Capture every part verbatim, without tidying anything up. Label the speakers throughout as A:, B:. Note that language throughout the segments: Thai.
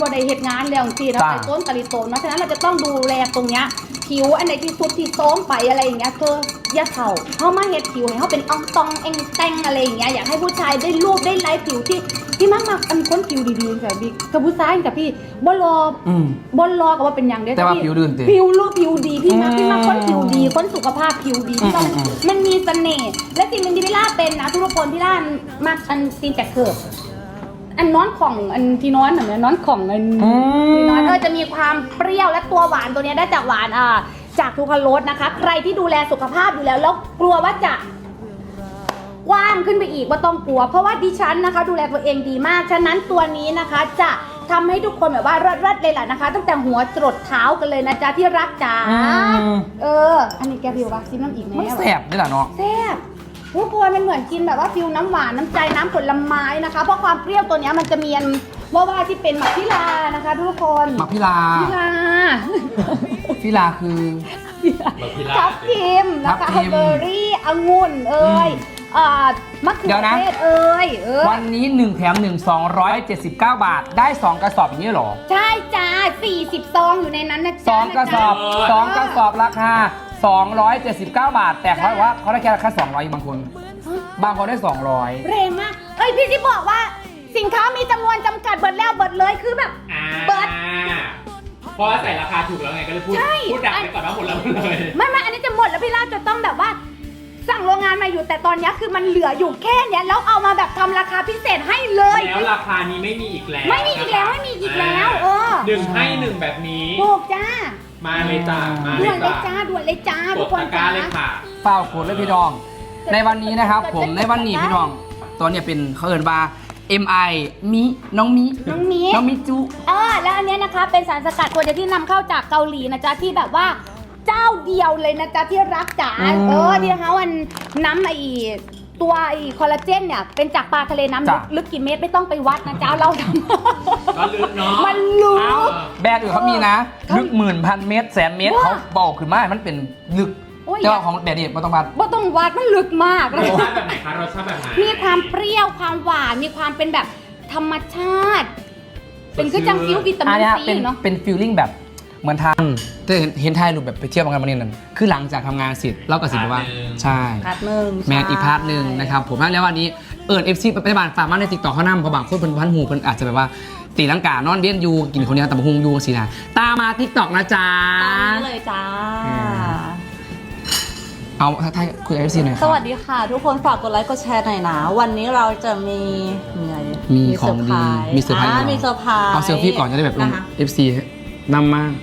A: ก็ได้เหตุงานแล้วจริงๆเราไปต้นกะลิโตนเพราะฉะนั้นเราจะต้องดูแลตรงเนี้ยผิวอันไหนที่สุดที่โต้มไปอะไรอย่างเงี้ยเธอย่าเข่าเขามาเห็ดผิวให้เขาเป็นอ่องตองเองแตงอะไรอย่างเงี้ยอยากให้ผู้ชายได้รูปได้ไลฟ์ผิวที่ที่มากมากอันคนผิวดีๆแบบบิ๊กกับผู้ชายกับพี่บอลรอบอลรอกับว่าเป็นอย่างเดียว
B: แต่ว่าผิวดื้อจริง
A: ผิวรูปผิวดีพี่มากพี่มากคนผิวดีคนสุขภาพผิวดีที่ต้องมันมีเสน่ห์และสิ่งหนึ่งที่พี่ล่าเป็นนะทุกคนพี่ล่ามากอันซีนแตกเกิดอันนอนของอันที่นอนเหมือนนอนของอันที่นอนเออจะมีความเปรี้ยวและตัวหวานตัวนี้ได้จากหวานอ่าจากทูคาโรสนะคะใครที่ดูแลสุขภาพอยู่แล้วแล้วกลัวว่าจะกว้างขึ้นไปอีกว่าต้องกลัวเพราะว่าดิฉันนะคะดูแลตัวเองดีมากฉะนั้นตัวนี้นะคะจะทำให้ทุกคนแบบว่ารัดๆเลยแหละนะคะตั้งแต่หัวจรดเท้ากันเลยนะจ๊ะที่รักจ๋าเอออันนี้แกพิวว่าซิมน้ำอีกไหม
B: มันแสบนี่แหละเนาะ
A: แซ่บทุกคนมันเหมือนกินแบบว่าฟิวน้ำหวานน้ำใจน้ำผลไม้นะคะเพราะความเปรี้ยวตัวนี้มันจะมีอันว่าว่าที่เป็นหมักพิลานะคะทุกคน
B: หมักพิลา
A: พิลา
B: พิลาคือ
A: ทับทิมนะคะเบอร์รี่องุ่นเอ้ยมะเขือเทศเอ้ย
B: วันนี้หนึ่งแถมหนึ่ง สองร้อยเจ็ดสิบเก้า บาทได้สองกระสอบอย่างนี้หรอ
A: ใช่จ้าสี่สิบซองอยู่ในนั้นนะจ๊ะ
B: สองกระสอบสองกระสอบราคาสองร้อยเจ็ดสิบเก้า บาทแต่เขาบอกว่าเขาได้แค่ราคาสองร้อยบางคนบางคนได้สองร้อย
A: แรงมากเอ้ยพี่ที่บอกว่าสินค้ามีจำนวนจำกัดเบิดแล้วเบิดเลยคือแบบเบิด
C: เพราะใส่ราคาถูกแล้วไงก็เลยพูดพูดดักไปก่อนว่าหมดแล้วหมดเลย
A: ไม่ไม่อันนี้จะหมดแล้วพี่ล่าจะต้องแบบว่าสั่งโรงงานมาอยู่แต่ตอนนี้คือมันเหลืออยู่แค่เนี้ยแล้วเอามาแบบทำราคาพิเศษให้เลย
C: แล้วราคานี้ไม่มีอีกแล้ว
A: ไม่มีอีกแล้วไม่มีอีกแล้วเออ
C: หนึ่งให้หนึ่งแบบนี้
A: ถูกจ้า
C: มาเลยจ้ามา
A: ด่วนเลยจ้าด่วนเลยจ้าทุกคน
C: จ้าเลยค่ะ
B: เฝ้าโคตรเลยพี่น้องในวันนี้นะครับผมในวันนี้พี่น้องตัวเนี้ยเป็นเขาเอิญว่า เอ็ม ไอ มิน้องมิ
A: น้องมิ
B: น้องมิจุ
A: เออแล้วอันนี้นะคะเป็นสารสกัดตัวเดียวที่นำเข้าจากเกาหลีนะจ๊ะที่แบบว่าเจ้าเดียวเลยนะจ๊ะที่รักจ๋าเออที่เขาอันน้ำไอตัวไอคอลลาเจนเนี่ยเป็นจากปลาทะเลน้ำลึกลึกกี่เมตรไม่ต้องไปวัดนะจ๊ะเราท
C: ำก็ลึกเนาะ
A: มันลึก
B: แบรนด์อื่นเขามีนะลึกหมื่นพันเมตรแสนเมตรเขาบอกขึ้นมามันเป็นลึกเจ้าของแบรนด์นี้ไม่ต้องวัด
A: ไม่ต้องวัดมันลึกมาก
C: รสชาติแบบไหนคะรสชาติแบบไหน
A: มีความเปรี้ยวความหวานมีความเป็นแบบธรรมชาติเป็นคือจังฟิววิตามินซีเนาะ
B: เป็นฟิลลิ่งแบบเหมือนทางจะเห็นไทยรูปแบบไปเที่ยวกันมาเนี่ยนั่นคือหลังจากทำงานเสร็จเราก็สิบว่าใช่
A: พาร์ทหนึ่ง
B: แมนอีกพาร์ทหนึ่งนะครับผมแล้ววันนี้เอิร์ดเอฟซีไปบ้านฝากมาในติ๊กต็อกเขานั่งเพราะบางคนเป็นพันหูคนอาจจะแบบว่าตีลังกานอนเลี้ยนยูกินคนเดียวแต่บะฮุงยูสินะตามมาติ๊กต็อกนะจ๊ะ
A: ตามนี้เลยจ้า
B: เอาถ้าคุยเอฟซีหน่อย
A: สวัสดีค่ะทุกคนฝากกดไลค์กดแชร์หน่อยนะวันนี้เราจะมี
B: มีของดีมีเซอร์ไพรส์
A: มีเซอร์ไพรส์
B: เอาเซลฟี่ก่อนจะได้แบบลงเอฟซีนำมา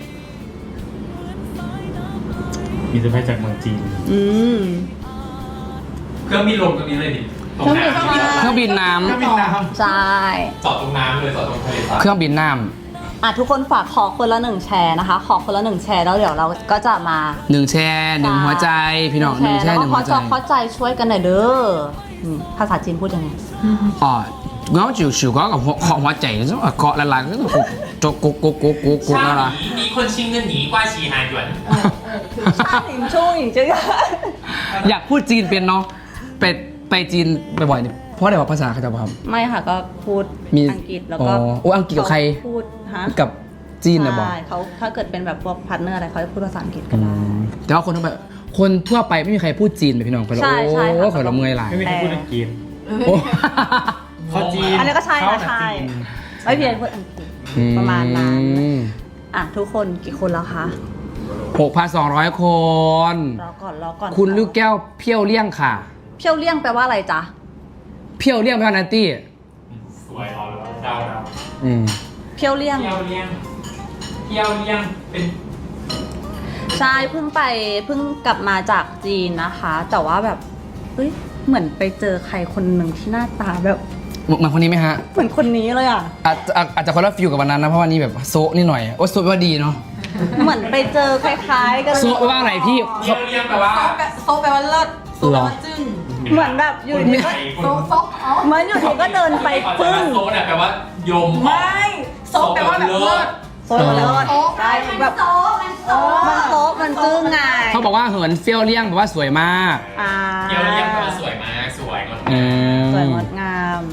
C: มีเซอร์ไพรส์จากเมืองจีน
A: อืม
C: เครื่องบินลงตรงนี้เลยดิ
B: เครื่องบินน้ำ
C: เครื่องบินน้ำ
A: ใช่
C: จอดตรงน้ำเลยจอดตรงทะเลทราย
B: เครื่องบินน้ำ
A: อ่ะทุกคนฝากขอคนละหนึ่งแชร์นะคะขอคนละหนึ่งแชร์แล้วเดี๋ยวเราก็จะมา
B: หนึ่งแชร์หนึ่งหัวใจพี่น้องหนึ่งแชร์หนึ่งหัวใจ
A: เข้าใจช่วยกันหน่อยเด้อภาษาจีนพูดยังไง
B: อ๋อเงาจิ๋วฉิวก็กับขอหัวใจแล้วเกาะละลายก็ต้องโจกโกโกโกโกโกละละ
C: มีคนชิงเงินหนีกว่าชีหายด่วน
A: ใช่ช่วยจริง
B: อยากพูดจีนเป็นเนาะไปไปจีนบ่อยๆเนี่ยเพราะอะไรวะภาษาเขาจะท
A: ำไม่ค่ะก็พูดอังกฤษแล้วก็
B: โอ้อังกฤษกับใคร
A: พูดฮะ
B: กับจีนนะบอก
A: ใช่เขาถ้าเกิดเป็นแบบพวกพาร์ทเนอร์อะไรเขาจะพูดภาษาอังกฤษกัน
B: แต่ว่าคนทั่วไปคนทั่วไปไม่มีใครพูดจีนเลยพี่น้องไปแล้วโอ้ขอละเมยหลาย
C: ไม่มีใครพูดอังกฤษเขาจีน
A: อันนี้ก็ใช่นะใช่ไม่เพียงพูดอังกฤษประมาณนั้นอ่ะทุกคนกี่คนแล้วคะ
B: หกพันสองร้อยคน
A: รอก่อนรอก่อน
B: คุณลูกแก้วเพี้ยวเลี่ยงค่ะ
A: เพี้ยวเลี่ยงแปลว่าอะไรจ๊ะ
B: เพี้ยวเลี่ยงแปลว่านันตี้
C: สวยรอแล้วเดาเดา
B: อืม
A: เพี้ยวเลี่ยง
C: เพี้ยวเลี่ยงเพี้ยวเลี่ยงเป็น
A: ใช่เพิ่งไปเพิ่งกลับมาจากจีนนะคะแต่ว่าแบบเฮ้ยเหมือนไปเจอใครคนหนึ่งที่หน้าตาแบบ
B: เหมือนคนนี้ไหมฮะ
A: เหมือนคนนี้เลยอ่ะ
B: อาจจะอาจจะคนละฟิลกับวันนั้นนะเพราะวันนี้แบบโซนิดหน่อยโอ้โซว่าดีเนาะ
A: เหมือนไปเจอคล้ายๆกัน
B: โซว่าอะไรพี่
C: เพี้ยวเลี่ยงแปลว่า
A: โซแปลว่าเลิศโซแปลว่าจึ้งเหมือนแบบอยู่ดีก็โซโซเหมือนอยู่ดีก็เดินไปปึ้ง
C: โซเนี่ยแปลว่ายม
A: ไม่โซแปลว่าแบบเลิศโซเลิศใช่แบบโซมันโซมันโซมันจึ้งไง
B: เขาบอกว่าเหินเฟี้ยวเลี่ยงแปลว่าสวยมาก
C: เฟี้ยวเลี่ยงแปลว่าสวยมากสวยงดงาม
A: สวยงดงาม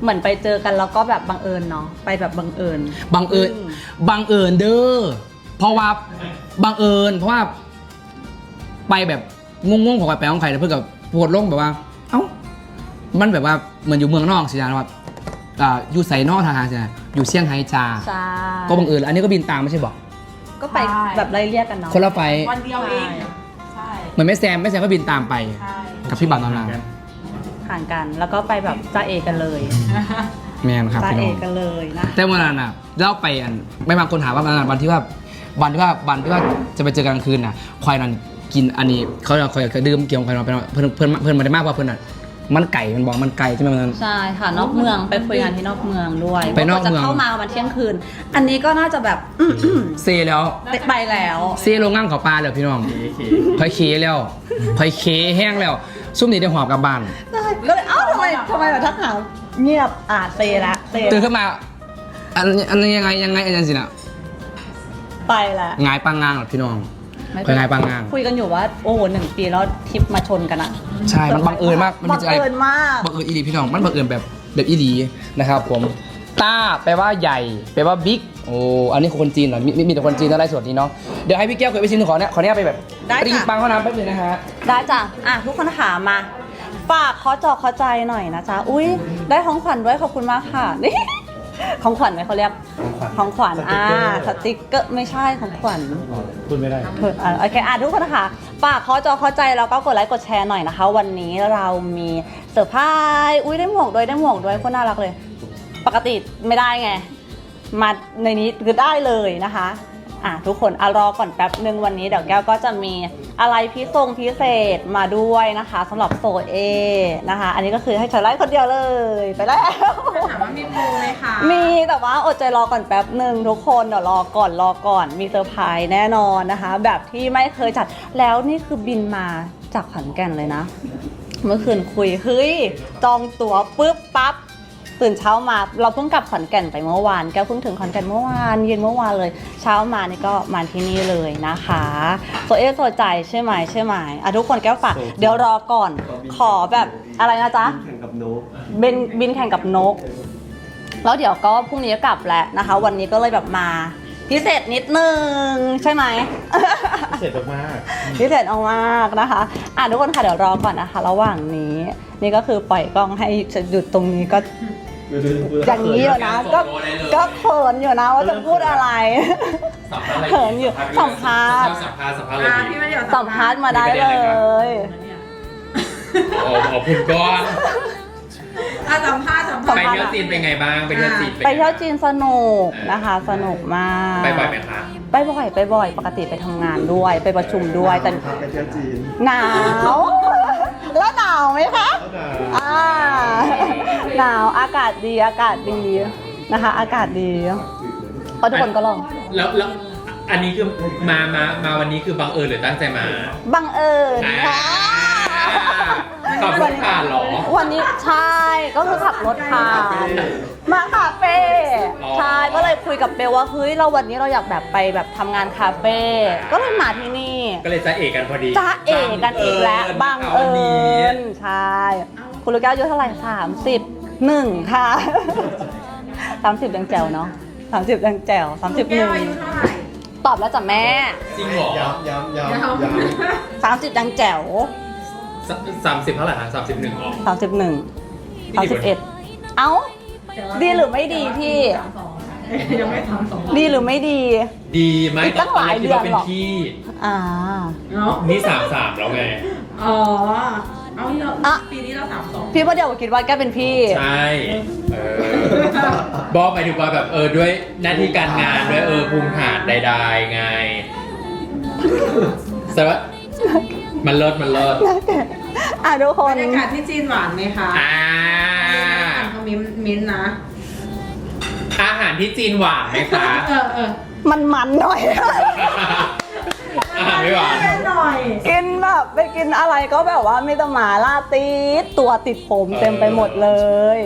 D: เหมือนไปเจอกันแล้วก็แบบบังเอิญเนาะไปแบบบังเอิญ
B: บังเอิญ
D: อืม
B: บังเอิญเด้อเพราะว่าบังเอิญเพราะว่าไปแบบงงๆของไปของใครแล้วเพื่อนกับโพดลงแบบว่า เอ้ามันแบบว่าเหมือนอยู่เมืองนอกสินะว่าอ่าอยู่ไซนอกทางสินะอยู่เซี่ยงไฮ้จ้า
D: ใช่
B: ก็บังเอิญอันนี้ก็บินตามไม่ใช่บอก
D: ก็ไปแบบไล่เรียกกันเนาะ
B: คนละไฟ
E: วันเดียวเองใช่
B: เหมือนแม่แซมแม่แซมก็บินตามไป
E: ใช่
B: กับพี่บัตรนอนนา
D: ห่างกันแล้วก็ไปแบบจ้าเอกันเลย
B: แมนครับ
D: จ้า
B: พี่
D: เอ
B: น้อง
D: กันเลยนะ
B: แต่วันนั้นอ่ะเล่าไปอันไม่บางคนถามว่าวันนั้นวันที่ว่าวันที่ว่าวันที่ว่าจะไปเจอกันกลางคืนน่ะควายนั้นกินอันนี้เขาจะคอยดื่มเกี่ยวกับควายนั้นเพื่อนเพื่อนเพื่อนมาได้มากกว่าเพื่อนอ่ะมันไก่มันบอกมันไก่ใช่ไหมวันนั้น
D: ใช่ค่ะนอกเมืองไปคุยงานที่นอกเมืองด้วย
B: ไปนอกเมือง
D: จะเข้ามาประมาณเที่ยงคืน อันนี้ก็น่าจะแบบ
B: เซแล้ว
D: ไปแล้ว
B: เซลงง่ามเขาปลาเลยพี่น้องพอยเคแล้วพอยเคแห้งแล้วซุ่มนี่ได้หอบกลับบ้าน
D: ก็เลยเอ้าทำไมทำไมแบบทักหาเงียบอ่ะเซละเซ
B: ตื่นขึ้นมาอันอันนี้ยังไงยังไงอันนั้นสินะ
D: ไปละ
B: งายปังงางเหรอพี่น้อง
D: ไม่
B: คอยงายปังงาง
D: คุยกันอยู่ว่าโอ้โหหนึ่งปีแล้วทริปมาชนกันอะ
B: ใช่มันบังเอิญมากมัน
D: บั
B: มี
D: ง
B: อะไร
D: เอิญมาก
B: บังเอิญอีหลีพี่น้องมันบังเอิญแบบแบบอีหลีนะครับผมต้าแปลว่าใหญ่แปลว่าบิ๊กโอ้อันนี้คือคนจีนเหรอมีมีมีแต่คนจีนอะไรสดนี้เนาะเดี๋ยวให้พี่แก้วเคยไปชิมหนึ่งขอเนี่ยขอเนี่ยไปแบบ
D: ได้
B: ปริง
D: ค่ะ
B: ปังเข้าน้ำแป๊บนึงนะฮะ
D: ได้จ้ะอ่ะทุกคนถามมาฝากขอจอขอใจหน่อยนะจ๊ะอุ้ยได้ของขวัญด้วยขอบคุณมากค่ะ นี่ ของขวัญไหมเขาเรียกของขวัญอ่าสติ๊กเกอร์ไม่ใช่ของขวัญ
C: พูดไม่ได้
D: เอออ่ะโอเคอ่ะทุกคนนะคะฝากขอจอขอใจแล้วก็กดไลค์กดแชร์หน่อยนะคะ วันนี้เรามีเซอร์ไพรส์อุ้ยได้หมวกด้วยได้หมวกด้วยโคนน่ารักเลย ปกติไม่ได้ไง มาในนี้คือได้เลยนะคะอ่ะทุกคนอ่ะรอก่อนแป๊บหนึ่งวันนี้เดี๋ยวแก้วก็จะมีอะไรพิทรงพิเศษมาด้วยนะคะสำหรับโซเอนะคะ อันนี้ก็คือให้ชอยไลฟ์คนเดียวเลยไปแล้ว
E: ถามว่ามีโปรไหมคะ
D: มีแต่ว่าอดใจรอก่อนแป๊บหนึ่งทุกคนเดี๋ยวรอก่อนรอก่อนมีเซอร์ไพรส์แน่นอนนะคะ แบบที่ไม่เคยจัดแล้วนี่คือบินมาจากขอนแก่นเลยนะ เมื่อคืนคุยเฮ้ยจองตั๋วปุ๊บปั๊บตื่นเช้ามาเราเพิ่งกลับขอนแก่นไปเมื่อวานแกเพิ่งถึงขอนแก่นเมื่อวานเย็นเมื่อวานเลย เช้ามานี่ก็มาที่นี่เลยนะคะโซเอโซใจใช่ไหมใช่ไหมอ่ะทุกคนแก้วฝากเดี๋ยวรอก่อนขอแบบอะไรนะจ๊ะ
F: แข่งกับนก
D: บินบินแข่งกับนก แล้วเดี๋ยวก็พรุ่งนี้ก็กลับแล้วนะคะ วันนี้ก็เลยแบบมาพิเศษนิดนึงใช่ไหม
C: เสร็จมาก
D: พิเศษเอามากนะคะอ่ะทุกคนค่ะเดี๋ยวรอก่อนนะคะ ระหว่างนี้นี่ก็คือปล่อยกล้องให้หยุดตรงนี้ก็อย่างนี้อยู่นะก็ก็เขินอยู่นะว่าจะพูดอะไร
C: สัมภาษณ์อะไร
D: เขินอยู่สัมภาษณ์
C: สัมภาษณ์สัมภาษณ์อะไร
E: อ่า
C: ดี
E: พี่มาเดี๋ยว
D: สัมภาษณ์มาได้เลย
C: โอ้ขอบคุณก้อน
E: อ่ะสัมภาษณ์สัมภาษ
C: ไป
E: ณ์
C: เที่ยวจีนเป็นไงบ้างไปเที่ยวจีน
D: ไปเที่ยวจีนสนุกนะคะ สนุกมาก
C: ไปบ่อยไหมคะ
D: ไปบ่อยไปบ่อยปกติไปทำงานด้วยไปประชุมด้วยแต่
F: ไปเที่ยวจีน
D: หนาวแล้วหนาวไหมคะอ่าหนาวอากาศดีอากาศดีนะคะ อากาศดีก็ทุกคนก็ลอง
C: แล้วแล้วอันนี้คือมามามาวันนี้คือบังเอิญหรือตั้งใจมา
D: บังเอิญค่ะ
C: ขับรถผ่านเหรอ
D: วันนี้ใช่ก็คือขับรถผ่านมาคาเฟ่
C: อ๋อ
D: ใช่ก็เลยคุยกับเบลว่าเฮ้ยเราวันนี้เราอยากแบบไปแบบทำงานคาเฟ่ก็เลยมาที่นี่
C: ก็เลยจะเอกกันพอดี
D: จ้าเอกกันอีกแล้วบังเอิญใช่ คุณลูกแก้วอายุเท่าไหร่สามสิบหนึ่งค่ะสามสิบยังแจ๋วเนาะสามสิบยังแจ๋วสามสิบห
E: แก้
D: นึ่
E: ว
D: ง
E: อายุเท่าไหร่
D: ตอบแล้วจ้ะแม่
C: จริงเหรอ
F: ย้ำย้ำย้ำย้ำ
D: สามสิบยังแจ๋ว
C: สามสิบเท่าไหร่ฮะสามสิบหนึ่งอ๋อ
D: สามสิบหนึ่ง
C: พี่
D: สาม
C: ดี
D: สิ
C: ก
D: บ
C: ว่า
D: เอ็ดเอ้า ดีหรือไม่ดีพี่
E: ยังไม่ทำสอง
D: ดีหรือไม่ดี
C: ดีไหม
D: อีกตั้งหลาย
C: คิดว่าเป็น
D: เดือนหรอ
C: พี่
D: อ่า
E: เนาะ
C: นี่สามสามแล้วไง
E: อ๋อเอาเน
D: อ่ะ
E: อะปีนี้เราสามสอง
D: พี่ว่าเดี๋ยวคิดว่าแกเป็นพี่
C: ใช่ เออ บอกหมายถึงว่าแบบเออด้วยหน้าที่การงานด้วยเออภูมิฐานใดๆไงแต่ว่ามันเลิศมันเลิศ
D: อ่ะทุกค
E: บร
D: น
E: รยากาศที่จีนหวานไหมคะ
C: อ่า
E: อ่านคอมเมนต์มิ้นท์นะ
C: อาหารที่จีนหวานไหมคะ
E: เออเออ
D: มันมันๆหน่อย
C: อาหารไม่หวาน
E: หน่อย
D: กินแบบไปกินอะไรก็แบบว่ามีแต่หมาล่าติดตัวติดผมเต็มไปหมดเลย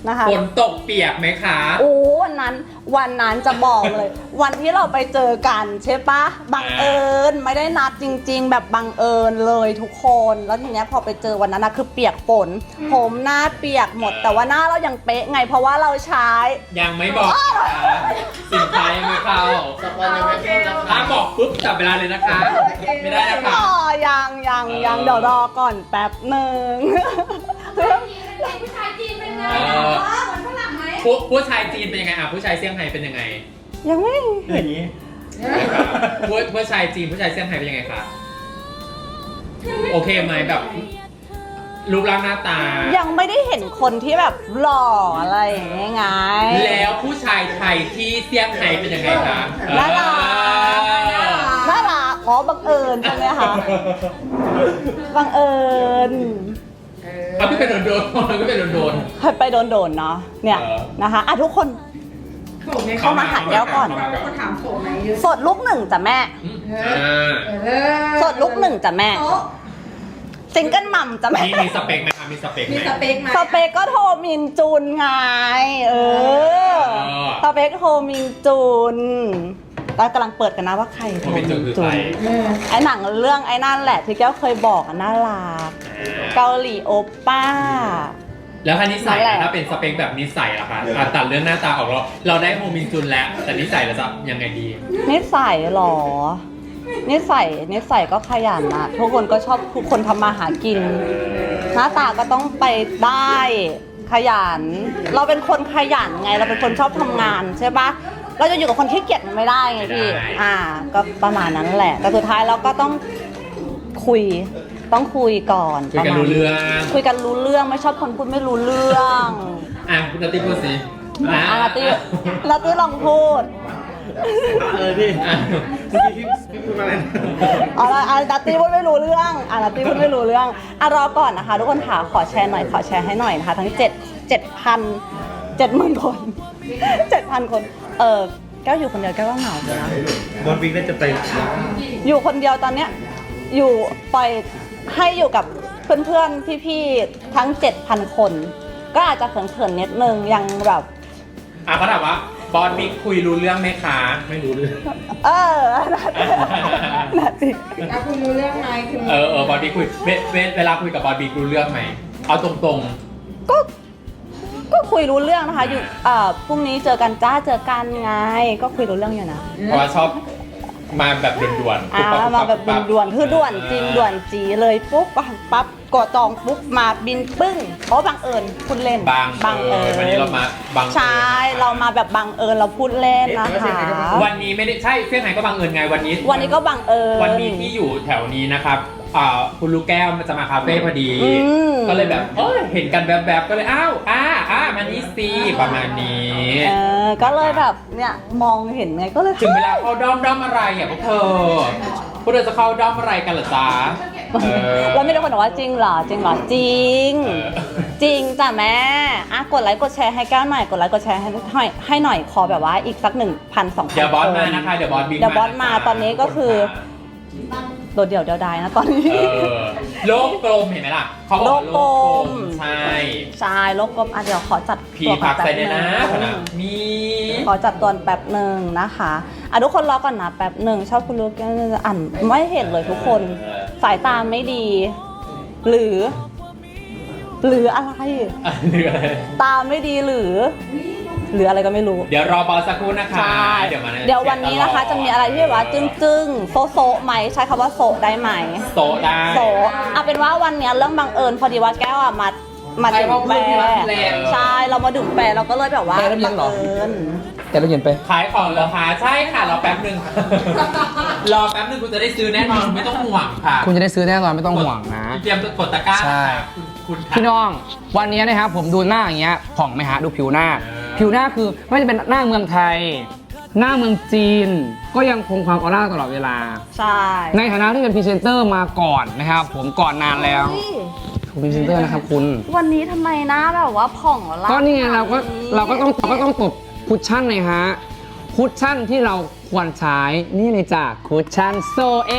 D: นะคะ
C: ฝนตกเปียกไหมคะ
D: โอ้วันนั้นวันนั้นจะบอกเลย วันที่เราไปเจอกันใช่ปะบังเอิญไม่ได้นัดจริง ๆ แบบบังเอิญเลยทุกคนแล้วทีเนี้ยพอไปเจอวันนั้นนะคือเปียกฝนผมหน้าเปียกหมด แต่ว่าหน้าเรายังเป๊ะไงเพราะว่าเราใช้
C: ยังไม่บอกนะคะสินค้ายังไม่เข้า
F: สปอนยังไม่เข้านะ
C: ถ้าบอกปุ๊บจับเวลาเลยนะคะ ไม่ได้นะคะ
D: อ๋อยังยังยังเดี๋ยวรอก่อนแป๊บหนึ่ง
A: ผู้ชายจีนเป็นไง
C: เออ
A: เหมือนฝรั่งไหม
C: ผู้ผู้ชายจีนเป็นยังไงอ่ะผู้ชายเซี่ยงไฮ้เป็นยังไง
D: ยังไม่
F: อย่างนี้
C: ผู้ผู้ชายจีนผู้ชายเซี่ยงไฮ้เป็นยังไงคะโอเคไหมแบบรูปร่างหน้าตา
D: ยังไม่ได้เห็นคนที่แบบหล่ออะไรอย่างเงี้ยไง
C: แล้วผู้ชายไทยที่เซี่ยงไฮ้เป็นยังไงคะ
D: น่ารัก น่ารักอ๋อบังเอิญใช่ไหมคะบังเอิญ
C: เขาไม่เป็นโดนโดนเขาไม่เป็นโดนโดน
D: เคยไปโดนๆเนาะเนี่ย
C: เออ
D: นะคะอ่ะทุกคน
E: โถไหม
D: เข้ามาหาแก้วก่อน
E: คนถามโถไหมเยอะ
D: สดลูกหนึ่งจ้ะแม่
C: อ่า
E: เออ
D: สดลูกหนึ่งจ้ะแม่
E: โต๊ะ
D: ซิงเกิลมัมจ้ะแม่
C: มีมีสเปคไหมคะมีสเปคไห
E: มี
C: ม
E: สเปคไหม
D: สเปกก็โทรมินจูนไง เออ
C: เออ
D: สเปกโทรมินจูนเรากำลังเปิดกันนะว่าใครโทรมิน
C: โทรมินจูนคือ
D: จู
C: ใคร
D: นไอหนังเรื่องไอ้นั่นแหละที่แก้วเคยบอกอะน่ารักเกาหลีโอป้า
C: แล้วถ้านิสัย
D: นั่นแห
C: ล่ะ
D: ละ
C: ถ้าเป็นสเปคแบบนิสัยล่ะคะอ่ะตัดเรื่องหน้าตาออกแล้วเราได้โฮมินจุนแล้ว แต่นิสัยเราจะยังไงดี
D: นิสัยเหรอ นิสัยนิสัยก็ขยันนะทุกคนก็ชอบทุกคนทำมาหากิน หน้าตาก็ต้องไปได้ขยัน เราเป็นคนขยันไง เราเป็นคนชอบทำงานใช่ปะเราจะอยู่กับคนขี้เกียจมันไม่ได้ไงพี่
C: ไม่ได้
D: อ่า ก็ประมาณนั้นแหละ แต่สุดท้ายเราก็ต้องคุย ต้องคุยก่อน
C: คุยกัน
D: ประมาณ
C: รู้เรื่อง
D: คุยกันรู้เรื่องไม่ชอบคนพูดไม่รู้เรื่อง
C: อ่ะคุณนัตตี้พูดสิ
D: อ่ะลาตี้ลาตี้ลองพูด
F: เออพี่
C: อ่ะ
F: เมื่อกี้พี่พี่พูดมาอะไรนะ
D: เอาละอาลาตี้พูดไม่รู้เรื่องอาลาตี้พูดไม่รู้เรื่องอ่ะรอก่อนนะคะ ทุกคนค่ะขอแชร์หน่อยขอแชร์ให้หน่อยนะคะทั้งเจ็ดเจ็ดพันเจ็ดหมื่นคนเจ็ดพันคน เออแก้วอยู่คนเดียวแก้วก็เหงาเลยนะ
F: บอลวิกน่าจะไป
D: อยู่คนเดียวตอนเนี้ยอยู่ปล่อยให้อยู่กับเพื่อนๆพี่ๆทั้งเจ็ดพันคน ก็อาจจะเขินๆนิดนึงยังแบบ
C: อ่ะเขาถามว่าบอสบิ๊กคุยรู้เรื่องไหมคะ ไม่รู้เรื่อง
D: เออนาที
E: อ่ะคุณรู้เรื่องไหมคุณ
C: เออเออบอสบิ๊กคุยเวเวเวลาคุยกับบอสบิ๊กรู้เรื่องไหม เอาตรง
D: ก็ก็คุยรู้เรื่องนะคะอยู่เอ่อพรุ่งนี้เจอกันจ้าเจอกันไง ก็คุยรู้เรื่องอยู่นะ
C: ๆ เพราะว่าชอบมาแบบด่วนๆ
D: อ่ามาแบบด่วนๆคือด่วนจริงด่วนจีเลยปุ๊บปั๊บกดจองปุ๊บมาบินปึ้งเพราะบังเอิญพูดเล่น
C: บางเออวันนี้เรามาบางเอิญ
D: ใช่เรามาแบบบังเอิญเราพูดเล่นนะคะ
C: วันนี้ไม่ได้ใช่เซี่ยงไฮ้ก็บังเอิญไงวันนี้
D: วันนี้ก็บังเอิญ
C: วันนี้ที่อยู่แถวนี้นะครับอ่าคุณลูกแก้วมันจะมาคาเฟ่พอดี
D: อืม
C: ก็เลยแบบเออเห็นกันแบบแบบๆก็เลยอ้าวอ่าอ่ามานี่สิประมาณนี้
D: เออก็เลยแบบเนี่ยมองเห็นไงก็เลย
C: ถึงเวลาเข้าด้อมด้อมอะไรอ่ะพวกเธอพวกเธอจะเข้าด้อมอะไรกันเหรอจ๊ะเออ
D: แล้วมีแต่คนบอกว่าจริงเหรอจริงเหรอจริง
C: เออ
D: จริงจ้ะแม่อ่ะกดไลค์กดแชร์ให้แก้วหน่อยกดไลค์กดแชร์ให้ให้ให้หน่อยขอแบบว่าอีกสักหนึ่งพันสองพัน
C: เดี๋ยวบอสมานะคะเดี๋ยวบอสบิ๊ก
D: เดี๋ยวบอสมา
C: ะคะ
D: ตอนนี้ก็คือ โดดเดี่ยวเดียวดายนะตอนนี้
C: เออโลกกลมเห็นไหมล่ะเขาบอกว่าโลกกล
D: โลกกล
C: ม
D: ม
C: ใช่
D: ใช่โลกกลมอ่ะเดี๋ยวขอจัด
C: พี
D: ตัวก่
C: พั
D: อน
C: ก
D: แป๊บ
C: ใส่เนี่ยนะ
D: นึง
C: มี
D: ขอจัดตัวแป๊บหนึ่งนะคะอ่ะทุกคนรอก่อนนะแป๊บหนึ่งชอบคุณลูกอ่านไม่เห็นเลยทุกคนสายตาไม่ดี หรือ หรืออะไร
C: อ่ะเหลืออะไร
D: ตาไม่ดีหรือ หรืออะไรก็ไม่รู้
C: เดี๋ยวรอบอสสักครู่นะคะ
D: ใช่
C: เดี๋ยวมา
D: เดี๋ยววันนี้นะคะ จะมีอะไรที่แบบว่าจึ้งจึ้งๆโซโซไหมใช้คำว่าโซได้ไหม
C: โตะได้
D: โซเอาเป็นว่าวันเนี้ยเรื่องบังเอิญพอดีว่าแก้วอะมามาดื่มแปรใช่เรามาดื่มแปรเราก็เลยแบบว่า
B: แปรแล้วเย็นเหรอ
D: บังเอิญ
B: แต่เราเย็นไป
C: ขายของเหรอคะใช่ค่ะรอแป๊บหนึ่ง รอแป๊บหนึ่งคุณจะได้ซื้อแน่นอนไม่ต้องห่วงค่ะ
B: คุณจะได้ซื้อแน่นอนไม่ต้องห่วงนะ
C: เตรียมกดตะกร้า
B: ใช่
C: ค่ะคุณคุณค่ะ
B: พี่น้องวันนี้นะครับผมดูหน้าอย่างเงี้ยผ่องไหมฮะดูผิวหน้า
C: เออ
B: ผิวหน้าคือไม่ว่าจะเป็นหน้าเมืองไทย หน้าเมืองจีน ก็ยังคงความออร่าตลอดเวลา
D: ใช่
B: ในฐานะที่เป็นพรีเซนเตอร์มาก่อนนะครับผมก่อนนานแล้ว
D: เฮ้ย
B: ถูกพรีเซนเตอร์นะครับคุณ
D: วันนี้ทำไมหน้าแบบว่าผ่องละ
B: ก็นี่ไงเราก็เราก็ต้องเราก็ต้องตบคุชชั่นเลยฮะคุชชั่นที่เราควรใช้นี่เลยจ้ะคุชชั่นโซเอ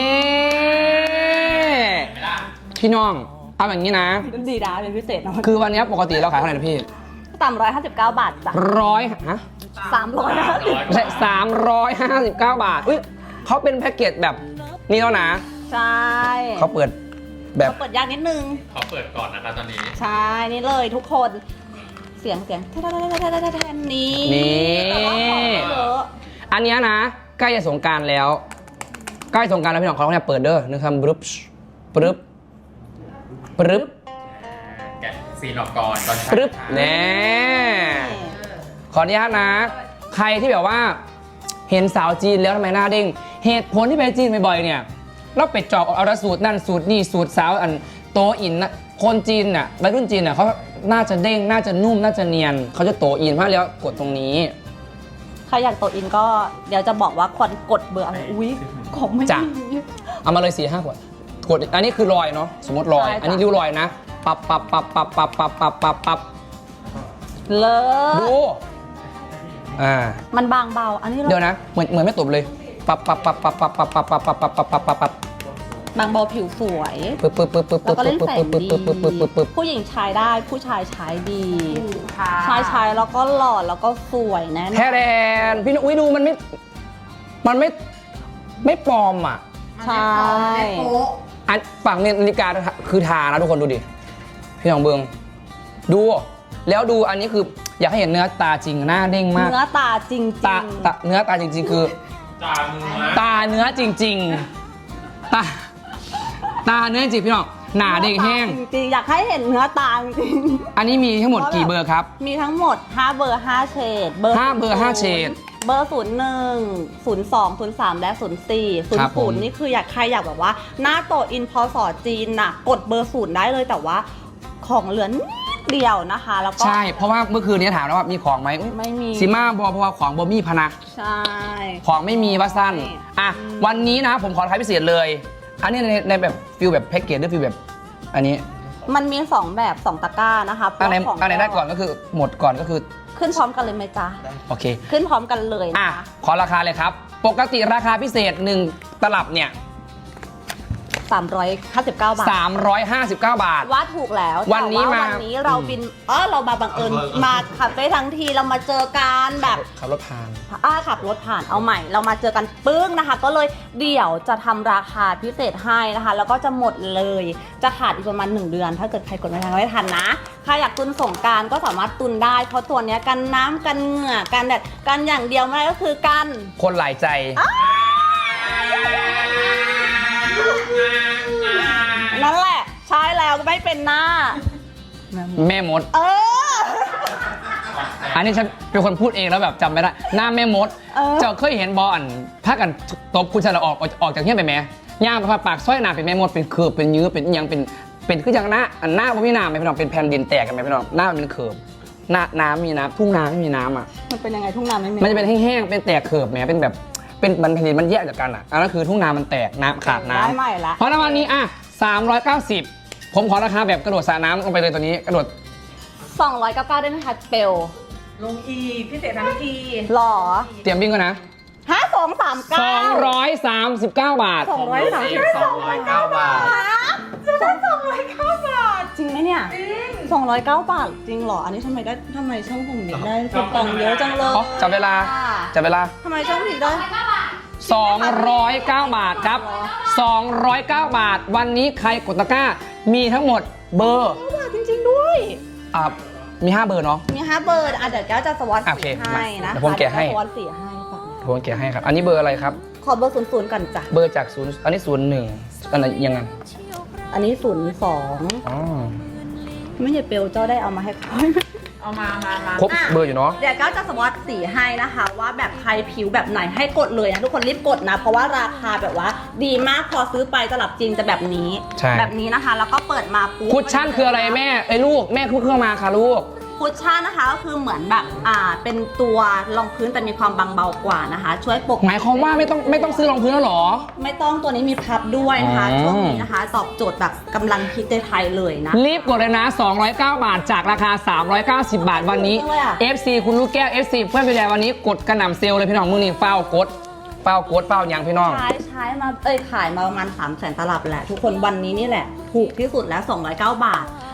B: พี่น้องเอาอย่างนี้นะ
D: ดีดาเป็นพิเศษนะ
B: คือวันนี้ปกติเราขายเท่าไหร่นะพี่
D: สามร้อยห้าสิบเก้าบาทจ้ะ
B: ร้อยฮะ
D: สามร้อยห้าสิบ
B: ไม่ใช่สามร้อยห้าสิบเก้าบาทอุ้ยเขาเป็นแพ็กเกจแบบนี้แล้วนะ
D: ใช่
B: เขาเปิดแบบ
D: เขาเปิดยากนิดนึง
C: ขอเปิดก่อนนะคะตอนนี้
D: ใช่ นี่เลยทุกคน เสียงเสียงแทนแทนนี้
B: นี่
D: แต่ว่าของไม่เยอะ
B: อันเนี้ยนะใกล้จะสงกรารแล้วใกล้สงกรารแล้วพี่น้องเขาเนี่ยเปิดเด้อนึกคำปรึ๊บปรึ๊บปรึ๊บ
C: แกะซีนออกก่อนก่อน
B: ปรึ๊บแน่ขออนุญาตนะ ใครที่แบบว่าเห็นสาวจีนแล้วทำไมหน้าเด้งเหตุผลที่ไปจีนบ่อยๆเนี่ยเราไปจอบเอาแต่สูตรนั่นสูตรนี่สูตรสาวอันโตอินนะคนจีนน่ะวัยรุ่นจีนน่ะเขาน่าจะเด้งน่าจะนุ่มน่าจะเนียนเขาจะโตอินเพราะแล้วกดตรงนี้
D: ใครอยากโตอินก็เดี๋ยวจะบอกว่าควรกดเบอร์อะไร อุ้ยของไม่
B: จ้ะ
D: มี
B: เอามาเลยสี่ห้าขวดกดอันนี้คือรอยเนาะสมมติรอย
D: ใช่จ้ะ
B: อันนี้ริ้วรอยนะปับปับปับปับปับปับปับปับปับ
D: เลิ
B: ดู
D: ศ
B: อ่า
D: มันบางเบา อันนี้เรา
B: เดี๋ยวนะเหมือนเหมือนไม่ตบเลยปับปับปับปับปับปับปับปับปับปับปับปับปับปับบ
D: างเบาผิวสวย
B: ปึ๊บปึ๊บปึ๊บปึ๊บ
D: แล้วก็เล่นแสงดี
B: ปึ๊บปึ๊บปึ๊บปึ๊บปึ๊บ
D: ผู้หญิงใช้ได้ผู้ชายใช้ดี
E: ค่ะ
D: ชายใช้แล้วก็หล่อแล้วก็สวยแน่นอน
B: แท้แดนพี่นุ้ยดูมันไม่มันไม่ไม่ปลอมอ่ะ
D: ใช่
E: ไม่โป๊ะ
B: อันฝั่งเนี่ยนาฬิกาคือทานะทุกคนดูดิพี่น้องเบิงดูแล้วดูอันนี้คืออยากให้เห็นเนื้อตาจริงหน้าเด้งมาก
D: เนื้อตาจริง
B: ตาตาเนื้อตาจริง ๆ คือ
C: จามือ
B: ตาเนื้อจริง ๆ ตาตาเนื้อจริงพี่น้องหนาเด้งแห้ง
D: จริงๆอยากให้เห็นเนื้อตาจริง
B: อันนี้มีทั้งหมดกี่เบอร์ครับ
D: ๆมีทั้งหมดห้าเบอร์ห้าเฉดเบอร์
B: ห้าเบอร์ห้าเฉด
D: เบอร์ศูนย์หนึ่งศูนย์สองศูนย์สามและศูนย์สี่ศูน
B: ครั
D: ย์
B: บผ
D: ศู
B: ม
D: นย์นี่คืออยากใครอยากแบบว่า หน้าโตอินพอสอจีนน่ะกดเบอร์ศูนย์ได้เลยแต่ว่าของเหลือนิดเดียวนะคะ แล้วก็
B: ใช่เพราะว่าเมื่อคืนนี้ถามแล้วว่ามีของไหม
D: ไม่มี
B: ซิมาบอเพราะว่าของบอมี่พะนะ
D: ใช่
B: ของไม่มีว่าสั้น
D: ใช่
B: อ่ะวันนี้นะผมขอท้ายพิเศษเลย อันนี้ในในแบบฟิลแบบแพ็กเกจหรือฟิลแบบอันนี้
D: มันมีสองแบบสองตะกร้านะคะ
B: อันไหน
D: เพราะของ
B: อันไหนได้ก่อนก็คือหมดก่อนก็คือ
D: ขึ้นพร้อมกันเลยไหมจ๊ะ
B: โอเค
D: ขึ้นพร้อมกันเลย
B: อ่ะ
D: นะคะ
B: ขอราคาเลยครับ ปกติราคาพิเศษหนึ่งตลับเนี่ย
D: สามร้อยห้าสิบเก้าบาท
B: สามร้อยห้าสิบเก้าบาท
D: ว่าถูกแล้ว
B: วันนี้
D: แต่
B: มา
D: วันนี้เราบินเออเรามาบังเอิญมาขับได้ทั้งทีเรามาเจอกันแบบ
B: ขับรถผ่าน
D: อ้าขับรถผ่านเอาใหม่ เรามาเจอกันปึ้งนะคะ ก็เลยเดี๋ยวจะทำราคาพิเศษให้นะคะ แล้วก็จะหมดเลยจะขาดอีกประมาณหนึ่งเดือน ถ้าเกิดใครกดไม่ทันไม่ทันนะใครอยากตุนสงกรารก็สามารถตุนได้ เพราะตัวเนี้ยกันน้ำกันเหงื่อกันแดดกันอย่างเดียวไม่ได้ก็คือกัน
B: คนหลายใจ
D: นั่นแหละใช้แล้วก็ไม่เป็นหน้า
B: แม่มด
D: เออ
B: อันนี้ฉันเป็นคนพูดเองแล้วแบบจำไม่ได้ หน้าแม่มด
D: เออ
B: เจ้าเคยเห็นบอลถ้ากันตบคุณชายเราออกออกออกจากเฮี้ยไปไหมย่างไปพาปากสร้อยหนาเป็นแม่มดเป็นเขือบเป็นยื้อเป็นอิหยังเป็นเป็นคืออย่างหน้าอันหน้าไม่มีน้ำไหมพี่น้องเป็นแผ่นดินแตกกันไหมพี่น้องหน้ามันเป็นเขือบหน้าน้ำมีน้ำทุ่งนาไม่มีน้ำอ่ะ
D: มันเป็นยังไงทุ่งนาไม่มี
B: มันจะเป็นแห้งๆเป็นแตกเขือบแหมเป็นแบบเป็นมันแผ่นดินมันแยกจากกันอ่ะอันนั้นคือทุ่งนามันแตกน้ำขาดน้ำ
D: ได้ใหม่ละ
B: เพราะในวันนี้อ่ะสามร้อยเก้าสิบผมขอราคาแบบกระโดดสระน้ำลงไปเลยตัวนี้กระโดด
D: สองร้อยเก้าสิบเก้าได้ไหมคะเปล
E: ลงอีกพิเศษทั้งที
D: หรอ
B: เตรียมวิ่งก่อนนะ
D: ห้าสองสามเก้า
B: สองร้อยสามสิบเก้าบาท
D: สองร้อยสามสิบ
F: สองร้อยเก้าบาท
E: จะได้สองร้อยเก้าบาท
D: จริงไหมเนี่ย
E: จริง
D: สองร้อยเก้าบาทจริงเหรอ อันนี้ทำไมได้ทำไมช่องผมถึงได้คูปองเยอะจังเลย
B: อ๋อจับเวลาจับเวลา
D: ทำไมช่องผมถึงได้
B: สองร้อยเก้าบาทครับสองร้อยเก้าบาท วันนี้ใครกดตะกร้า มีทั้งหมดเบอร์
D: บาทจริงๆด้วย
B: อ่ามีห้าเบอร์เนาะ
D: มีห้าเบอร์อ่ะเดี๋ยวแก้วจะสวอต
B: โอเค
D: สีให้นะ
B: เดี๋ยวผมแกะให้
D: สวอตสีให้ก่อน
B: ผมเกียร์ให้ครับ อันนี้เบอร์อะไรครับ
D: ขอเบอร์ศูนย์ศูนย์ก่อนจ้ะ
B: เบอร์จากศูนย์อันนี้ศูนย์หนึ่งอันไหนยังไง
D: อันนี้ศูนย์สอง
B: อ๋อ
D: ไม่ใช่เปลเจ้าได้เอามาให้เขา
E: เอามามามา
B: ครบเบอร์อยู่เนาะ
D: เดี๋ยวก้าวจะสวอตสีให้นะคะ ว่าแบบใครผิวแบบไหนให้กดเลยนะทุกคนรีบกดนะ เพราะว่าราคาแบบว่า ดีมากพอซื้อไปตลับจริงจะแบบนี้
B: ใช่
D: แบบนี้นะคะ แล้วก็เปิดมาปุ๊บ
B: คุชชั่นคืออะไรแม่ไอ้ยลูกแม่คุกเครื่องมาค่ะลูก
D: คุชชั่นนะคะก็คือเหมือนแบบอ่าเป็นตัวรองพื้นแต่มีความบางเบากว่านะคะ ช่วยปก
B: หมายความว่าไม่ต้องไม่ต้องซื้อรองพื้นแล้วเหรอ
D: ไม่ต้องตัวนี้มีพับด้วยนะคะ
B: อ๋อ
D: ช่วงนี้นะคะ ตอบโจทย์แบบกำลังฮิตในไทยเลยนะ
B: รีบกดเลยนะ สองร้อยเก้าบาท จากราคา สามร้อยเก้าสิบ บาทวันนี้
D: จริงเลยอะ
B: เอฟ ซี คุณลูกแก้ว เอฟ ซี เพื่อนพี่แดวันนี้กดกระหน่ำเซลล์เลยพี่น้องมือนี่เฝ้ากดเฝ้ากดเฝ้ายังพี่น้อง
D: ใช้ใช้มาเอ้ยขายมาประมาณสามแสนตลับแหละ ทุกคนวันนี้นี่แหละ ถูกที่สุดแล้วสองร้อยเก้าบาท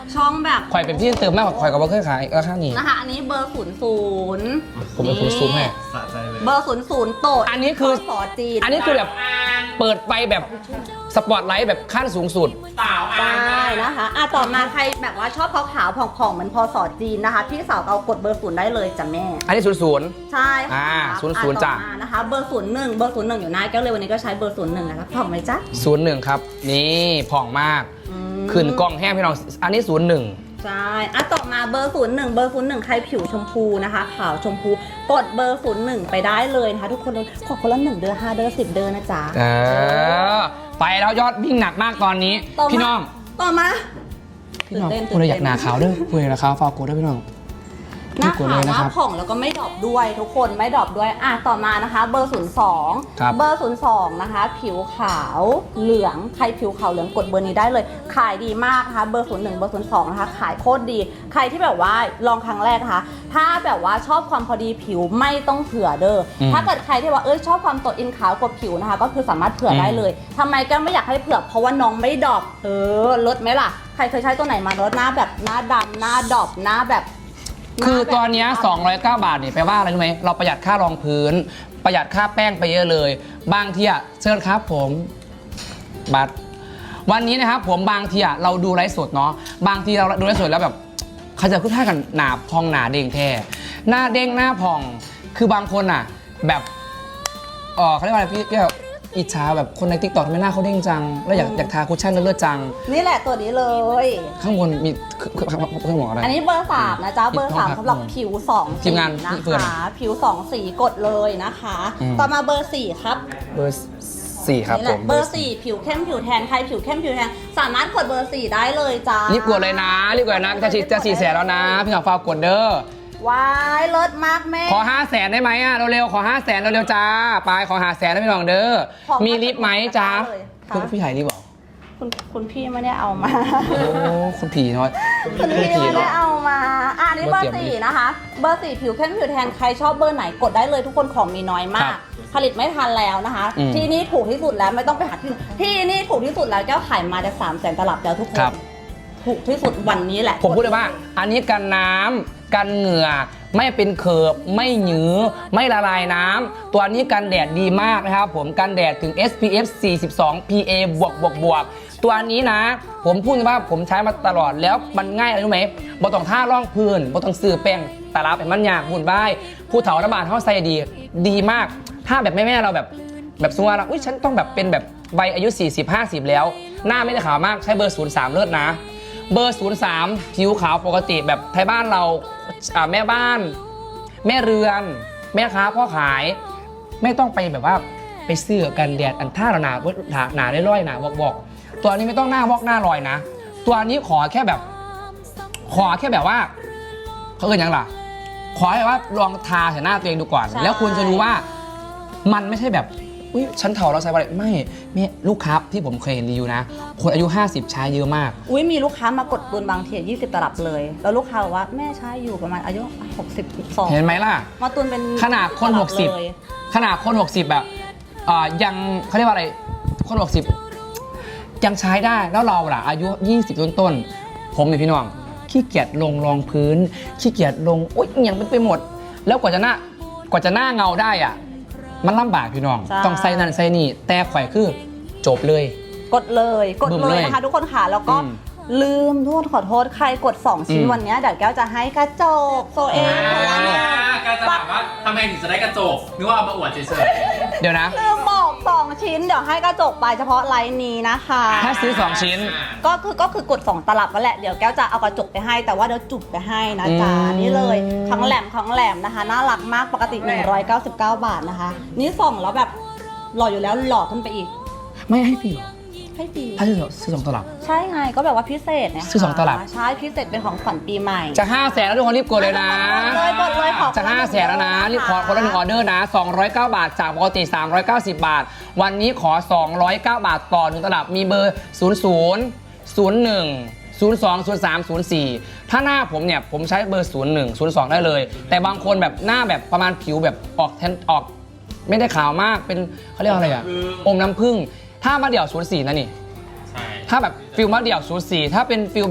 D: ช่องแบบ
B: ข่อยเป็นพี่เติมมากกว่าข่อยกับว่าเคยขายราคานี้
D: นะคะอันนี้เบอร์ศูนย์ศูนย์
B: ผมเป็นคนซูมให้
F: สะใจเลย
D: เบอร์ศูนย์ศูนย์โตด
B: อันนี้คือ
D: สอจีน
B: อันนี้คือแบบเปิดไปแบบสปอตไลท์แบบขั้นสูงสุด
C: สาวอ่ะ
D: ได้นะคะอ่ะต่อมาใครแบบว่าชอบขาวๆผ่องๆเหมือนพอสอจีนนะคะพี่สาวเอากดเบอร์ศูนย์ได้เลยจ้ะแม่
B: อันนี้ศูนย์ศูนย์
D: ใช่ค่ะ
B: อ่าศูนย์ศูนย์
D: อ่ะ
B: จ้ะ
D: ต่อมานะคะเบอร์ศูนย์หนึ่งเบอร์ศูนย์หนึ่งอยู่หน้าแก้วเลยวันนี้ก็ใช้เบอร์ศูนย์หนึ่งนะคะผ่องไหมจ๊ะ
B: ศูนย์หนึ่งครับ นี่ผ่องมาก
D: อืม
B: ขึ้นกล้องแห้งพี่น้อง อันนี้ศูนย์หนึ่ง
D: ใช่อ่ะต่อมาเบอร์ศูนย์หนึ่งเบอร์ศูนย์หนึ่งใครผิวชมพูนะคะขาวชมพูกดเบอร์ศูนย์หนึ่งไปได้เลยนะคะทุกคนเลยขอคนละหนึ่งเดือนห้าเดือนสิบเดือนนะจ๊ะ
B: เออ ไปแล้วยอดวิ่งหนักมากตอนนี้
D: ต่อมา
B: พี่น้อง
D: ต่อมา
B: พี่น้อง
D: ตื่นเต้น
B: คนเราอยากหนาขาวเด้อคุยราคาฟาวโกเด้อพี่น้อง
D: หน้า
B: กด
D: ขา
B: เล
D: วย ห
B: นะ
D: น้า
B: ครับ
D: ผ่องแล้วก็ไม่ดรอปด้วยทุกคนไม่ดรอปด้วยอ่ะต่อมานะคะเบอร์ศูนย์สอง
B: ครับ
D: เบอร์ศูนย์สองนะคะผิวขาวเหลืองใครผิวขาวเหลืองกดเบอร์นี้ได้เลย ขายดีมากนะคะเบอร์ศูนย์หนึ่งเบอร์ศูนย์สองนะคะขายโคตรดี ใครที่แบบว่าลองครั้งแรกนะคะถ้าแบบว่าชอบความพอดีผิวไม่ต้องเผื่อเด้ออ
B: ม
D: ถ้าเกิดใครที่ว่าเอ้ยชอบความโตอินขาวกว่าผิวนะคะก็คือสามารถเผื่อได้เลยทำไมแก้วไม่อยากให้เผื่อเพราะว่าน้องไม่ดรอปเออลดไหมล่ะใครเคยใช้ตัวไหนมาลดหน้าแบบหน้าดำหน้าดรอปหน้าแบบ
B: คือตอนเนี้ยสองร้อยเก้าบาทเนี่ยแปลว่าอะไรรู้ไหมเราประหยัดค่ารองพื้น ประหยัดค่าแป้งไปเยอะเลย บางทีอะเชิญครับผมบัตรวันนี้นะครับผมบางทีอะเราดูไลฟ์สดเนาะบางทีเราดูไลฟ์สดแล้วแบบเขาจะพูดท่ากันหนาพองหนาเด้งแท้หน้าเด้งหน้าพองคือบางคนอะแบบเออเขาเรียกว่าอะไรพี่พี่แบบอิจฉาแบบคนในติ๊กต็อกทำไมหน้าเขาเด้งจัง แล้วอยากอยากทาคุชชั่นเลือดๆจัง
D: นี่แหละตัวนี้เลย
B: ข้างบนมีเครื่องเครื่องหมออะไร
D: อันนี้เบอร์สามนะจ๊ะ เบอร์สาม
B: ครับ
D: สำหรับผิวสอง
B: ที
D: สี
B: มงาน
D: นะ
B: เฟิร์น
D: คะ ผิวสองสีกดเลยนะคะ
B: อืม
D: ต่อมาเบอร์สี่ครับ
B: เบอร์สี่ครับ
D: นี่แห
B: ผ
D: ละ
B: ม
D: เบอร์สี่ผิวเข้มผิวแทนใครผิวเข้มผิวแทนสามารถกดเบอร์สี่ได้เลยจ้า
B: รีบกดเลยนะรีบกดเลยนะจะฉีดจะสี่แสนแล้วนะพี่หงฝากกดเด้อ
D: ว้ายเลิศมากแม่
B: ขอห้าแสนได้ไหมอ่ะเร็วๆขอห้าแสนเร็วๆจ้าไปขอห้าแสนได้พี่น้องเด้อ
D: ขอ
B: มีลิฟต์ไหมจ้า
D: เลยค่ะ
B: คุณพี่ไห่รีบบอก
D: คุณคุณพี่ไม่ได้เอามา
B: โอ้คุณผีน้อย
D: คุณพี่ไม่ได้เอามา อ่ะอันนี่เบอ
B: เบอร์
D: ร์
B: เตรียม
D: สี่นะคะ เบอร์สี่ผิวเข้มผิวแทนใครชอบเบอร์ไหนกดได้เลยทุกคนของมีน้อยมา
B: ครั
D: ก
B: บ
D: ผลิตไม่ทันแล้วนะคะ
B: อืม
D: ที่นี่ถูกที่สุดแล้วไม่ต้องไปหาที่อื่นที่นี่ถูกที่สุดแล้วแก้วขายมาจะสามแสนตลับแล้วทุกคน
B: ครับ
D: ถูกที่สุดวันนี้แหละ
B: ผมพูดเลยว่า อันนี้กันน้ำกันเหงื่อไม่เป็นเคิร์ฟไม่หยือไม่ละลายน้ำตัวนี้กันแดดดีมากนะครับผมกันแดดถึง เอส พี เอฟ สี่สิบสอง พี เอ บวกบวกบวกตัวนี้นะ ผมพูดว่าผมใช้มาตลอดแล้วมันง่ายอะไรรู้ไหมบ่ต้องท่าร่องพื้นบ่ต้องซื้อแป้งตาลับให้มันยากบุญบ้ายผู้เฒ่าระบาดเขาใส่ดีดีมาก ถ้าแบบแม่ๆเราแบบแบบสมมติว่าเราอุ้ยฉันต้องแบบเป็นแบบวัยอายุ สี่สิบ ห้าสิบ แล้ว หน้าไม่ได้ขาวมากใช้เบอร์ศูนย์สามเลิศนะ เบอร์ศูนย์สามผิวขาวปกติแบบไทยบ้านเราอ่าแม่บ้าน แม่เรือน แม่ค้าพ่อขาย ไม่ต้องไปแบบว่าไปซื้อกันแดดอันท่าหนาหนาหนาได้ร้อยหนาบอกบอกตัวนี้ไม่ต้องหน้าวอกหน้าลอยนะ ตัวนี้ขอแค่แบบ ขอแค่แบบว่าเขาเอ่ยยังล่ะ ขอให้ว่าลองทาใส่หน้าตัวเองดูก่อน
D: ใช่
B: แล้วคุณจะรู้ว่ามันไม่ใช่แบบอุ้ยฉันเฒ่าแล้วใช้อะไรไม่ไม่ลูกค้าที่ผมเคยเห็นรีวิวนะ คนอายุห้าสิบใช้เยอะมาก
D: อุ้ยมีลูกค้ามากดตุนบางทียี่สิบตลับเลย แล้วลูกค้าบอกว่าแม่ใช้อยู่ประมาณอายุหกสิบสอง
B: เห็นไหมล่ะ
D: มาตุนเป็น
B: ขนาดคน
D: ตลั
B: หกสิบ
D: เลย
B: ขนาดคน หกสิบ แบบอ่ายังเขาเรียกว่าอะไรคน หกสิบ ยังใช้ได้แล้วเราล่ะอายุ ยี่สิบ ต้นต้นๆผมเนี่ยพี่น้องขี้เกียจลงรองพื้นขี้เกียจลงอุ๊ยอหย่างเป็นไปหมด แล้วกว่าจะหน้ากว่าจะหน้าเงาได้อ่ะมันลำบากพี่น้อง
D: ใช่
B: ต้องใส่นั่นใส่นี่แต่ข่อยคือจบเลย
D: กดเลยกด
B: บึ้ม
D: เล
B: เลย ย
D: นะคะทุกคนค่ะแล้วก็
B: อืม
D: ลืมทุกคนขอโทษใครกดสองชิ้น
B: อืม
D: วันเนี้ยเดี๋ยวแก้วจะให้กระจกโซเอง
C: อ่าการจะถามว่าทำไมถึงจะได้กระจกนึกว่าเอามาอวดเฉย
B: เดี๋ยวนะ
D: ลืมบอกสองชิ้นเดี๋ยวให้กระจกไปเฉพาะไลน์นี้นะคะ
C: ๆ
B: ถ้าซื้อสองชิ้น
D: ก็คือก็คือกดสองตลับก็แหละเดี๋ยวแก้วจะเอากระจกไปให้แต่ว่าเดี๋ยวจุบไปให้นะจ๊ะ
B: อืม
D: นี่เลยครั้งแหลมครั้งแหลมนะคะน่ารักมากปกติหนึ่งร้อยเก้าสิบเก้าบาทนะคะ นี่ส่องแล้วแบบหล่ออยู่แล้วหล่อขึ้นไปอีก
B: ไม่ให้ฟรีเหรอ
D: ให้ฟรี
B: ถ้าซื้อซื้อสองตลับ
D: ใช่ไงก็แบบว่าพิเศษนะคะ
B: ซื้อสองตลับ
D: ใช่พิเศษเป็นของขวัญปีใหม่
B: จะห้าแสนแล้วทุกคนรีบกดเลยนะ
D: กดเลยกดเลยขอ
B: จะห้าแสนแล้วนะรีบขอคนละหนึ่งออเดอร์นะสองร้อยเก้าบาทจากปกติสามร้อยเก้าสิบบาท วันนี้ขอสองร้อยเก้าบาทต่อหนึ่งตลับมีเบอร์ศูนย์ ศูนย์ ศูนย์ หนึ่ง ศูนย์ สอง ศูนย์ สาม ศูนย์ สี่ถ้าหน้าผมเนี่ยผมใช้เบอร์ ศูนย์ หนึ่ง ศูนย์ สอง ได้เลย แต่บางคนแบบหน้าแบบประมาณผิวแบบออกแทนออก ไม่ได้ขาวมากเป็นเขาเรียกว่าอะไรอะอมน้ำผึ้งถ้ามาเดี่ยวศูนย์ สี่นะนี่
C: ใช่
B: ถ้าแบบฟิลมาเดี่ยวศูนย์ สี่ถ้าเป็นฟิลแบบ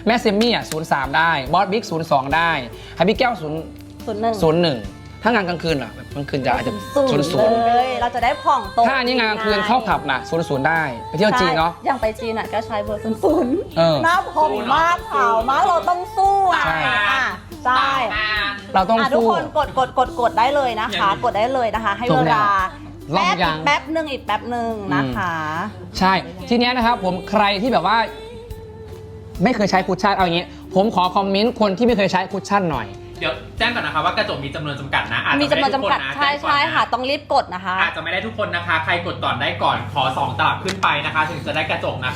B: แม่เซมมี่อ่ะศูนย์สามได้บอสบิ๊กศูนย์สองได้ไฮพี่แก้วศูนย์
D: ศูนย์หนึ่ง
B: ศูนย์หนึ่งถ้างานกลางคืนเหรอแบบกลางคืนจะอาจจะศูนย์ศูนย์
D: เลย เราจะได้ผ่องตรง
B: ถ้าอันนี้งานกลางคืนเข้าผับนะศูนย์ศูนย์ได้ไปเที่ยวจีนเนาะ
D: ใช่อย่างไปจีนอ่ะก็ใช้เบอร์ศูนย์ศูนย์
B: เออ
D: หน้าผ่องมากขาวมากเราต้องสู้อ่ะ
B: ใช่
D: อ่ะใช่
B: เราต้อง
D: อ่ะทุก
B: สู้
D: คนกดกดกดกดได้เลยนะคะ กดได้เลยนะคะ ให้
B: จบ
D: เว
B: แล้ว
D: ลา
B: รอบ
D: แป๊บ
B: ยั
D: อี
B: ง
D: กแป๊บหนึ่งอีกแป๊บหนึ่งนะคะ
B: ใช่ทีเนี้ยนะครับผมใครที่แบบว่า ไม่เคยใช้คุชชั่นเอาอย่างงี้ ผมขอคอมเมนต์คนที่ไม่เคยใช้คุชชั่นหน่อย
C: เดี๋ยวแจ้งก่อนนะคะว่ากระจกมีจำนวนจำกัดนะอาจจะ
D: มีจำนวน
C: ไได้ทุ
D: จำกัด
C: คะ
D: ใช่
C: แจ้งก่อน
D: ใช่
C: น
D: ค่ะ ต้องรีบกดนะคะ
C: อาจจะไม่ได้ทุกคนนะคะ ใครกดก่อนได้ก่อนขอสองตลับขึ้นไปนะคะ ถึงจะได้กระจกนะคะ